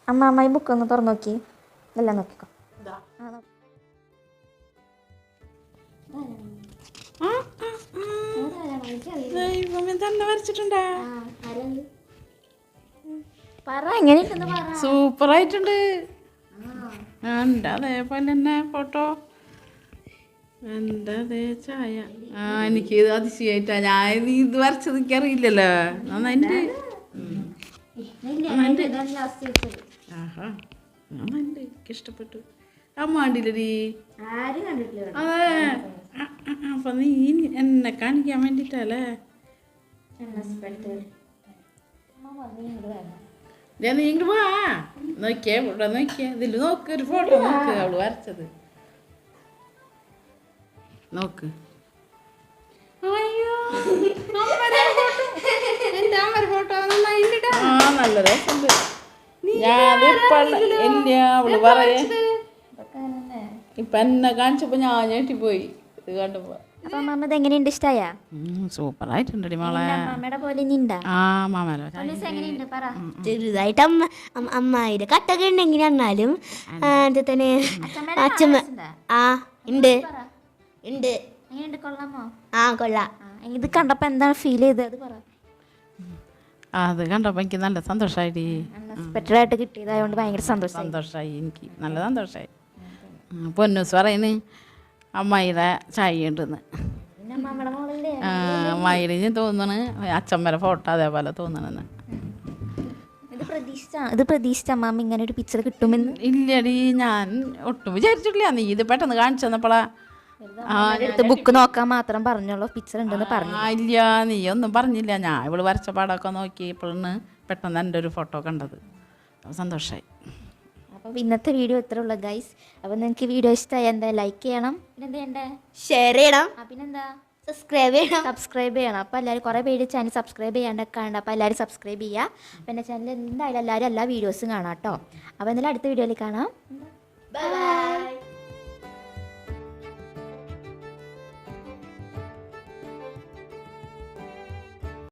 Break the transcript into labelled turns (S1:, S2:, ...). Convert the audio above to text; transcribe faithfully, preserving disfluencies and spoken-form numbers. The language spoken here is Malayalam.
S1: അമ്മ അമ്മ ഈ ബുക്ക് ഒന്ന് തുറന്നു നോക്കി. എല്ലാം നോക്കിക്കോ.
S2: സൂപ്പർ ആയിട്ടുണ്ട്. എൻ്റെ അതേപോലെ തന്നെ ഫോട്ടോ, എൻ്റെ അതേ ചായ. ആ എനിക്ക് അതിശയായിട്ടാ. ഞാൻ ഇത് വരച്ചത് എനിക്കറിയില്ലല്ലോ. നന്നായിട്ട് ആഹാ നന്നായിട്ട് എനിക്കിഷ്ടപ്പെട്ടു. അമ്മാണ്ടില്ലടി. അതെ അപ്പൊ നീ എന്നെ കാണിക്കാൻ വേണ്ടിട്ടല്ലേ? നീ ഇങ്ങോട്ട് വാ. നോക്കിയേ ഇവിടെ നോക്കിയേ. ഇതില് നോക്ക്, ഒരു ഫോട്ടോ നോക്ക് അവള് വരച്ചത് നോക്ക്. അയ്യോ ആ നല്ല രസമുണ്ട്. ഞാനിപ്പ ഇല്ല അവള് പറയേ. ഇപ്പൊ എന്നെ കാണിച്ചപ്പോ ഞാൻ ഞെട്ടിപ്പോയി ഇത് കണ്ടപ്പോ.
S1: എങ്ങനെയുണ്ട്? ഇഷ്ടായ?
S2: സൂപ്പർ ആയിട്ടുണ്ടടി മോളെ.
S1: മാമയുടെ പോലെ ഇനി
S2: ആ മാമല്ലോ
S3: ചെറുതായിട്ട് അമ്മ അമ്മായിയുടെ കട്ടൊക്കെ ഉണ്ടെങ്കിൽ എന്നാലും എന്താ തന്നെ അച്ഛമ്മ ആ ഉണ്ട് ഉണ്ട്.
S1: കൊള്ളാമോ?
S3: ആ കൊള്ളാം.
S1: ഇത് കണ്ടപ്പോ എന്താണ് ഫീൽ ചെയ്തത്? അത് പറ.
S2: അത് കണ്ടപ്പോൾ എനിക്ക് നല്ല സന്തോഷമായിടി.
S1: അൺഎക്സ്പെക്റ്റഡ് കിട്ടിയതായതുകൊണ്ട് ഭയങ്കര സന്തോഷം
S2: സന്തോഷമായി. എനിക്ക് നല്ല സന്തോഷമായി. പൊന്നൂസ് പറയുന്നു അമ്മായിയുടെ ചായ ഉണ്ടെന്ന്. അമ്മായിയുടെ ഞാൻ തോന്നണ് അച്ഛമ്മയുടെ ഫോട്ടോ അതേപോലെ തോന്നണെന്ന്.
S1: ഇത് പ്രതീക്ഷിച്ച അമ്മാമ്മ ഇങ്ങനെ ഒരു പിക്ചർ കിട്ടുമെന്ന്?
S2: ഇല്ലടി, ഞാൻ ഒട്ടും വിചാരിച്ചിട്ടില്ല. നീ ഇത് പെട്ടെന്ന് കാണിച്ചു തന്നപ്പോളാ.
S1: ബുക്ക് നോക്കാൻ മാത്രം പറഞ്ഞോളൂ, പിക്ചർ ഉണ്ടെന്ന് പറഞ്ഞു.
S2: ഇല്ല, നീ ഒന്നും പറഞ്ഞില്ല. ഞാൻ ഇവള് വരച്ച പാടൊക്കെ നോക്കിയപ്പോഴാണ് പെട്ടെന്ന് എൻ്റെ ഒരു ഫോട്ടോ കണ്ടത്. സന്തോഷമായി.
S1: അപ്പോൾ ഇന്നത്തെ വീഡിയോ ഇത്ര ഉള്ളൂ ഗൈസ്. അപ്പോൾ നിങ്ങൾക്ക് വീഡിയോ ഇഷ്ടമായി എന്താ ലൈക്ക് ചെയ്യണം, പിന്നെന്താ ചെയ്യണ്ടേ?
S3: ഷെയർ ചെയ്യണം,
S1: പിന്നെന്താ
S3: സബ്സ്ക്രൈബ് ചെയ്യണം.
S1: സബ്സ്ക്രൈബ് ചെയ്യണം. അപ്പോൾ എല്ലാവരും കുറേ പേര് ചാനൽ സബ്സ്ക്രൈബ് ചെയ്യാണ്ടൊക്കെ ഉണ്ട്. അപ്പോൾ എല്ലാവരും സബ്സ്ക്രൈബ് ചെയ്യുക. പിന്നെ ചാനൽ എന്തായാലും എല്ലാവരും എല്ലാ വീഡിയോസും കാണാം കേട്ടോ. അപ്പോൾ എന്തായാലും അടുത്ത വീഡിയോയിൽ കാണാം.
S3: ബൈ.